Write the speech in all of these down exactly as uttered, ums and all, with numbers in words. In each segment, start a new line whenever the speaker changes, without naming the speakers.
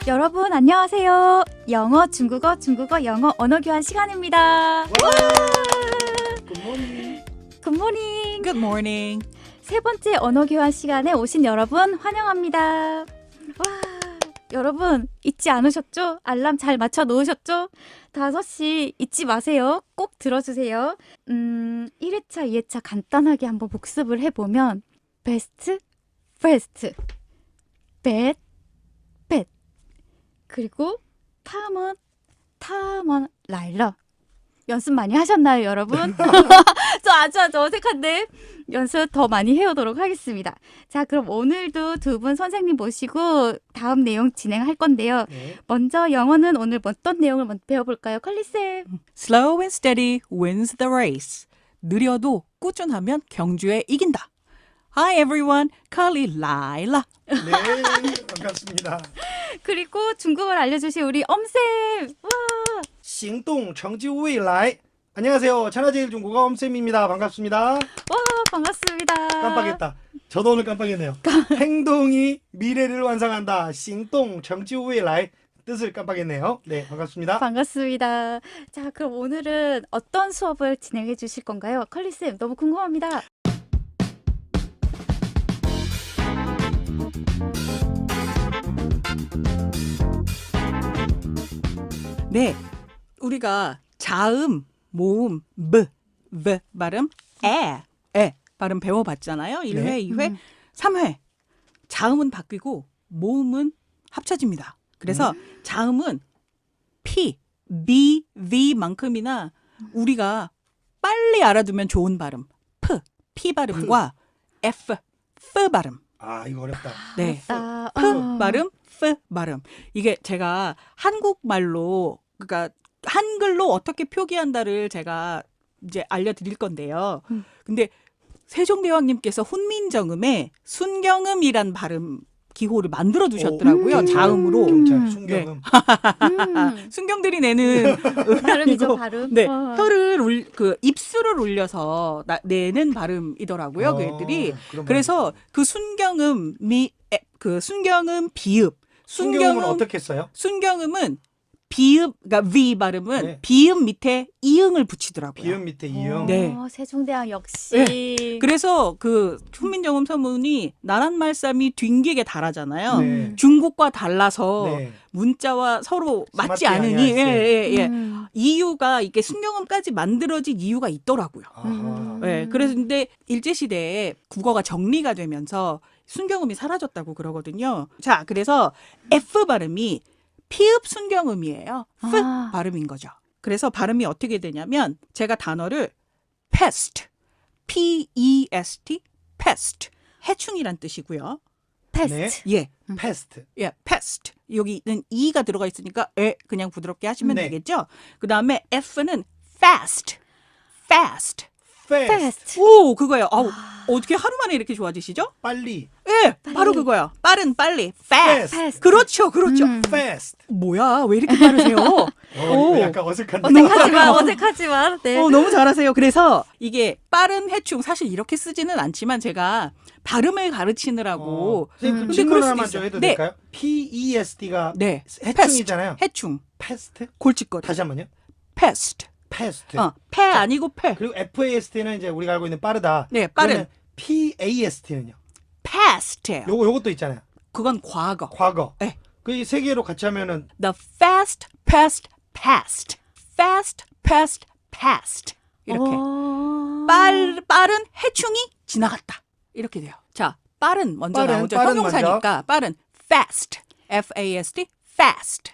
여러분 안녕하세요. 영어, 중국어, 중국어, 영어 언어 교환 시간입니다.
굿모닝.
굿모닝.
Good morning.
세 번째 언어 교환 시간에 오신 여러분 환영합니다. 와, 여러분 잊지 않으셨죠? 알람 잘 맞춰 놓으셨죠? 다섯 시 잊지 마세요. 꼭 들어주세요. 음, 일 회차, 이 회차 간단하게 한번 복습을 해보면 best, first, bad, bad 그리고 탐은, 탐은, 라일러 연습 많이 하셨나요, 여러분? 저 아주 아주 어색한데 연습 더 많이 해오도록 하겠습니다. 자, 그럼 오늘도 두 분 선생님 모시고 다음 내용 진행할 건데요.
네.
먼저 영어는 오늘 어떤 내용을 먼저 배워볼까요? 컬리쌤.
Slow and steady wins the race. 느려도 꾸준하면 경주에 이긴다. Hi everyone, Carly Laila.
네, 반갑습니다.
그리고 중국어를 알려주신 우리 엄쌤. 와,
行动成就未来. 안녕하세요. 천하제일 중국어 엄쌤입니다. 반갑습니다.
와, 반갑습니다.
깜빡했다. 저도 오늘 깜빡했네요. 행동이 미래를 완성한다. 行动成就未来 뜻을 깜빡했네요. 네, 반갑습니다.
반갑습니다. 자, 그럼 오늘은 어떤 수업을 진행해 주실 건가요? 컬리쌤, 너무 궁금합니다.
네, 우리가 자음, 모음, 브, v 발음, 에, 에 발음 배워봤잖아요. 일 회,
네.
이 회,
음.
삼 회. 자음은 바뀌고 모음은 합쳐집니다. 그래서 자음은 P, B, V만큼이나 우리가 빨리 알아두면 좋은 발음 P, P 발음과 F, F 발음.
아, 이거 어렵다.
네.
아,
P
어.
발음, F 발음. 이게 제가 한국말로 그러니까 한글로 어떻게 표기한다를 제가 이제 알려드릴 건데요.
음.
근데 세종대왕님께서 훈민정음에 순경음이란 발음 기호를 만들어 두셨더라고요.
오, 음.
자음으로.
경찰, 순경음.
음,
순경들이 내는
발음이죠,
음이고,
발음.
네,
어.
혀를 울, 그 입술을 올려서 나, 내는 발음이더라고요.
어,
그 애들이.
그런
그래서 그 순경음이 에, 그 순경음 비읍.
순경음은
순경음
어떻게 써요?
순경음은 비읍, 그러니까 V 발음은
네.
비읍 밑에 이응을 붙이더라고요.
비음 밑에 이음.
어,
네.
세종대왕 역시.
그래서 그 훈민정음 서문이 나란 말싸미 뒹기게 달하잖아요.
네.
중국과 달라서
네.
문자와 서로 맞지
맞지
않으니 예,
아니하였어요.
예, 예.
음.
이유가 이게 순경음까지 만들어진 이유가 있더라고요.
아하.
음.
예, 그래서 근데 일제시대에 국어가 정리가 되면서 순경음이 사라졌다고 그러거든요. 자, 그래서 F 발음이 피읍 순경음이에요. F
아.
발음인 거죠. 그래서 발음이 어떻게 되냐면 제가 단어를 pest, P E S T, pest, 해충이란 뜻이고요.
패스트.
예,
패스트.
예, pest. 여기는 e가 들어가 있으니까 에 그냥 부드럽게 하시면
네.
되겠죠. 그 다음에 F는 fast, fast.
패스트.
패스트.
오, 그거예요. 아우, 어떻게 하루 만에 이렇게 좋아지시죠?
빨리.
예, 바로 그거요. 빠른, 빨리, fast.
패스트.
그렇죠, 그렇죠.
음.
패스트.
뭐야, 왜 이렇게 빠르세요?
어,
오.
이거 약간 어색한데.
어색하지만, 어색하지만. 네.
어, 너무 잘하세요. 그래서 이게 빠른 해충 사실 이렇게 쓰지는 않지만 제가 발음을 가르치느라고
어. 선생님,
음.
그 질문
그럴 수도
하나만
있어요.
좀 해도
네.
될까요? P E S T가
네,
해충이잖아요.
해충,
패스트?
골칫거리,
다시 한 번요.
pest.
패스트.
어, 패 아니고 패.
그리고 F A S T는 이제 우리가 알고 있는 빠르다.
네, 빠른.
P A S T는요.
past예요.
요거 요것도 있잖아요.
그건 과거.
과거.
네.
그 세 개로 같이 하면은
The fast, past, past. fast, past, past. 이렇게.
어.
빨, 빠른 해충이 지나갔다. 이렇게 돼요. 자, 빠른 먼저
빠른,
나오죠.
빠른
형용사니까 빠른. fast. F A S T. fast.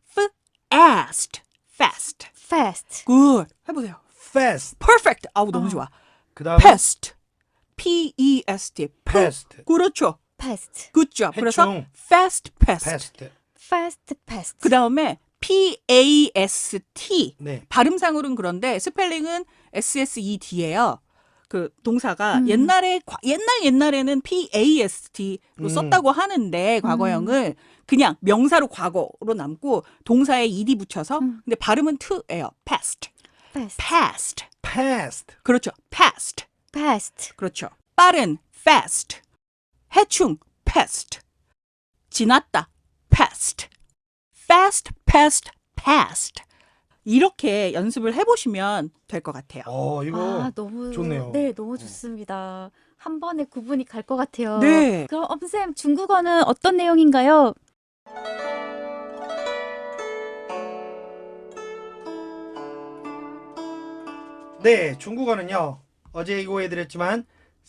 fast. fast.
패스트.
good. 해보세요.
fast.
perfect. 아우, 너무
어.
좋아.
그다음에
pest. P E S T.
pest.
그렇죠.
패스트.
good job. 그래서
해충.
fast, pest.
pest.
패스트. 패스트.
그 다음에 P A S T.
네.
발음상으로는 그런데 스펠링은 S S E D예요. 그 동사가
음.
옛날에 과- 옛날 옛날에는 P A S T로
음.
썼다고 하는데 과거형을 그냥 명사로 과거로 남고 동사에 ed 붙여서
음.
근데 발음은 to예요. past.
패스트.
past.
past.
그렇죠. past.
패스트.
그렇죠. 빠른 fast. 해충 pest. 지났다 past. fast, past, past. 이렇게 연습을 해보시면 될 것 같아요.
어, 이거
아, 너무
좋네요.
네, 너무 좋습니다. 한 번에 구분이 갈 것 같아요.
네.
그럼 엄쌤 중국어는 어떤 내용인가요?
네, 중국어는요. 어제 이거 해드렸지만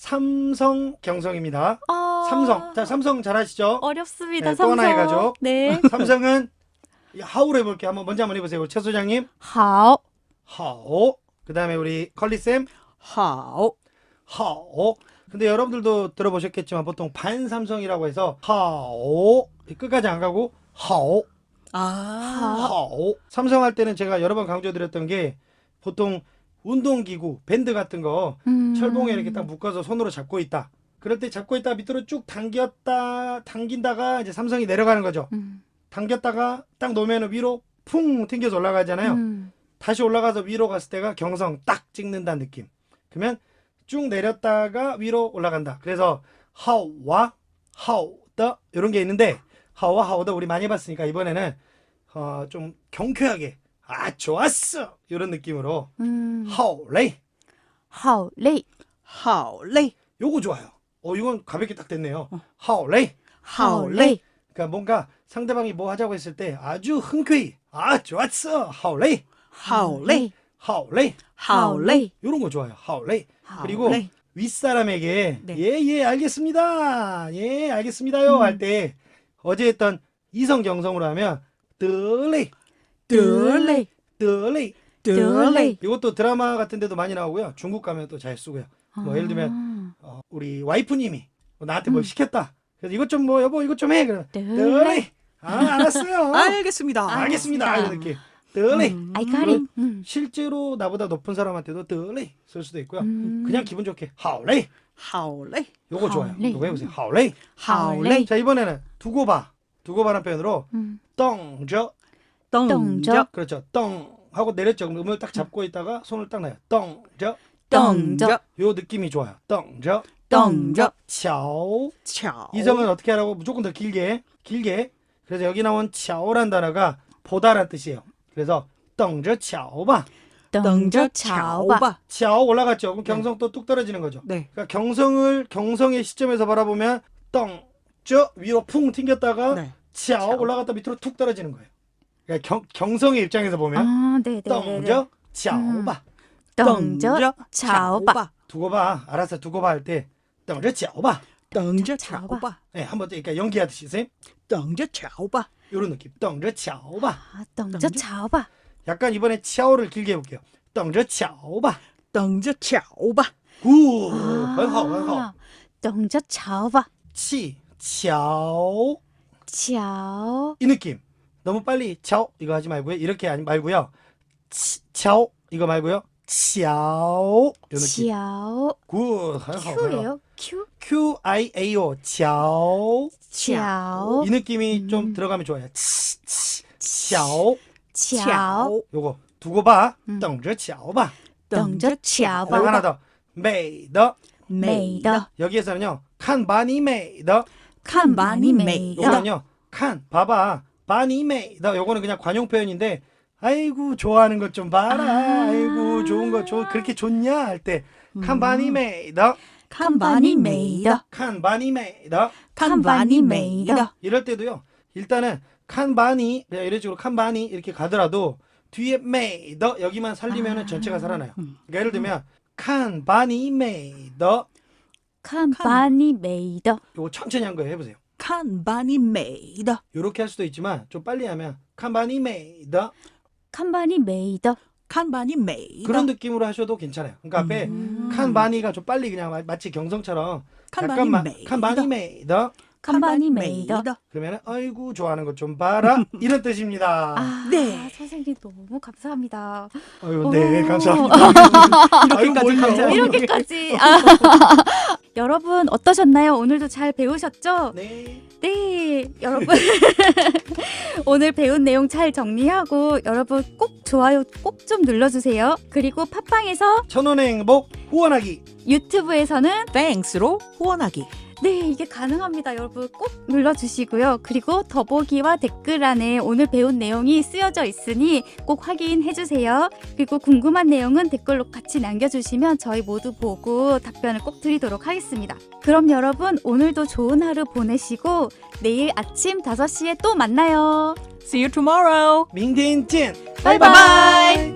삼성 경성입니다.
아,
삼성. 자, 삼성 잘 아시죠?
어렵습니다.
네, 또
삼성.
하나의 가족.
네.
삼성은 하오로 해볼게요. 한번 먼저 한번 해보세요. 최 소장님.
好
하오. 그 다음에 우리 컬리쌤.
하오.
하오. 근데 여러분들도 들어보셨겠지만 보통 반삼성이라고 해서 하오. 끝까지 안 가고 하오.
아.
하오. 삼성 할 때는 제가 여러 번 강조드렸던 게 보통 운동기구, 밴드 같은 거
음.
철봉에 이렇게 딱 묶어서 손으로 잡고 있다. 그럴 때 잡고 있다가 밑으로 쭉 당겼다, 당긴다가 이제 삼성이 내려가는 거죠.
음.
당겼다가 딱 놓으면 위로 풍 튕겨서 올라가잖아요.
음.
다시 올라가서 위로 갔을 때가 경성 딱 찍는다는 느낌. 그러면 쭉 내렸다가 위로 올라간다. 그래서 하오와 하오더 이런 게 있는데 하오와 하오더 우리 많이 봤으니까 이번에는 어, 좀 경쾌하게 아 좋았어 이런 느낌으로
음.
하오레이
好累
하오레이.
요거 좋아요. 어 이건 가볍게 딱 됐네요. 하오레이.
하오레이.
그러니까 뭔가 상대방이 뭐 하자고 했을 때 아주 흔쾌히 아 좋았어 하오레이
하오레이.
하오레이
好累
요런 거 좋아요. 하오레이. 그리고
하오레이.
윗사람에게
네.
예예 알겠습니다 예 알겠습니다요
음.
할 때 어제 했던 이성 경성으로 하면 뜨레이
得嘞
뜨레이
得嘞
이것도 드라마 같은 데도 많이 나오고요. 중국 가면 또 잘 쓰고요. 뭐 예를 들면 어, 우리 와이프님이 뭐 나한테 뭘
음.
시켰다. 그래서 이것 좀 뭐 여보 이것 좀 해. 그러면
得
뜨레이 아 알았어요.
알겠습니다.
알겠습니다.
알겠습니다.
이런 느낌. 뜨레이
음.
아이카리 음.
실제로 나보다 높은 사람한테도 뜨레이 쓸 수도 있고요.
음.
그냥 기분 좋게 하오레이
하오레이.
요거 좋아요.
하오레이.
요거 해보세요. 하오레이.
하오레이.
자 이번에는 두고 봐. 두고 봐라는 표현으로
음.
떵저
덩저.
그렇죠. 떵 하고 내렸죠. 그럼 음을 딱 잡고 있다가 손을 딱 놔요. 떵저
덩저.
요 느낌이 좋아요. 떵저
덩저.
차오
차오.
이성은 어떻게 하라고 무조건 더 길게 길게 그래서 여기 나온 차오란 단어가 보다란 뜻이에요. 그래서 떵저 차오바
等着
덩저
瞧吧
차오바.
차오 올라갔죠. 그럼 경성 또 뚝 떨어지는 거죠.
네.
그러니까 경성을 경성의 시점에서 바라보면 떵저 위로 풍 튕겼다가
네.
차오
차오.
올라갔다 밑으로 툭 떨어지는 거예요. 그러니까 경, 경성의 입장에서 보면
아, 네, 네, 네.
떵저 차오바
等着瞧吧
두고 봐. 알았어. 두고 봐 할 때 떵저 차오바
덩저
차오바.
차오바.
네, 한번 그러니까 연기하듯이 쌤
덩저 차오바.
이런 느낌. 떵저 차오바
아, 等着瞧吧
약간 이번에 차오를 길게 해볼게요. 떵저 차오바
덩저 차오바.
구
아,
很好很好
等着瞧吧
치 차오
瞧
이 느낌. 너무 빨리 차오 이거 하지 말고요. 이렇게 하지 말고요. 치, 차오 이거 말고요. 차오 이 느낌.
瞧
굿. 很好
Q예요? Q?
Q I A O 차오
瞧
이 느낌이
음.
좀 들어가면 좋아요. 치, 치, 차오
瞧
요거 두고 봐.
음.
等着瞧吧
等着瞧
그리고 하나
吧
더. 美的
美的
여기에서는요. 看把你美的
看把你美的
요거는요. 看 봐봐. 把你美的 요거는 그냥 관용 표현인데 아이고 좋아하는 것 좀 봐라.
아.
아이고 좋은 거 좋, 그렇게 좋냐 할 때 看把你美的
看把你美的
看把你美的
칸바니 메이다.
이럴 때도요. 일단은 칸바니 그냥 이런 식으로 칸바니 이렇게 가더라도 뒤에 메이더 여기만 살리면은
아.
전체가 살아나요. 그러니까 예를 들면 칸바니 메이더
看把你美的
요거 천천히 한 거예요. 해보세요.
칸바니 메이다.
요렇게 할 수도 있지만 좀 빨리 하면 칸바니 메이더
看把你美的
칸바니 메이다.
그런 느낌으로 하셔도 괜찮아요. 그러니까 앞에
음.
칸바니가 좀 빨리 그냥 마- 마치 경성처럼
칸바니
약간만
메이더.
칸바니 메이더
看把你美的
그러면은 아이고 좋아하는 것 좀 봐라 이런 뜻입니다.
아,
네.
선생님 너무 감사합니다.
아유, 네,
오.
감사합니다. 아유,
이렇게까지
뭘요?
감사해요.
이렇게까지. 아. 여러분 어떠셨나요? 오늘도 잘 배우셨죠?
네.
네, 여러분 오늘 배운 내용 잘 정리하고 여러분 꼭 좋아요 꼭 좀 눌러주세요. 그리고 팟빵에서
천원의 행복 후원하기.
유튜브에서는
땡스로 후원하기.
네, 이게 가능합니다. 여러분 꼭 눌러주시고요. 그리고 더보기와 댓글 안에 오늘 배운 내용이 쓰여져 있으니 꼭 확인해주세요. 그리고 궁금한 내용은 댓글로 같이 남겨주시면 저희 모두 보고 답변을 꼭 드리도록 하겠습니다. 그럼 여러분 오늘도 좋은 하루 보내시고 내일 아침 다섯 시에 또 만나요.
See you tomorrow.
明天见，
바이바이.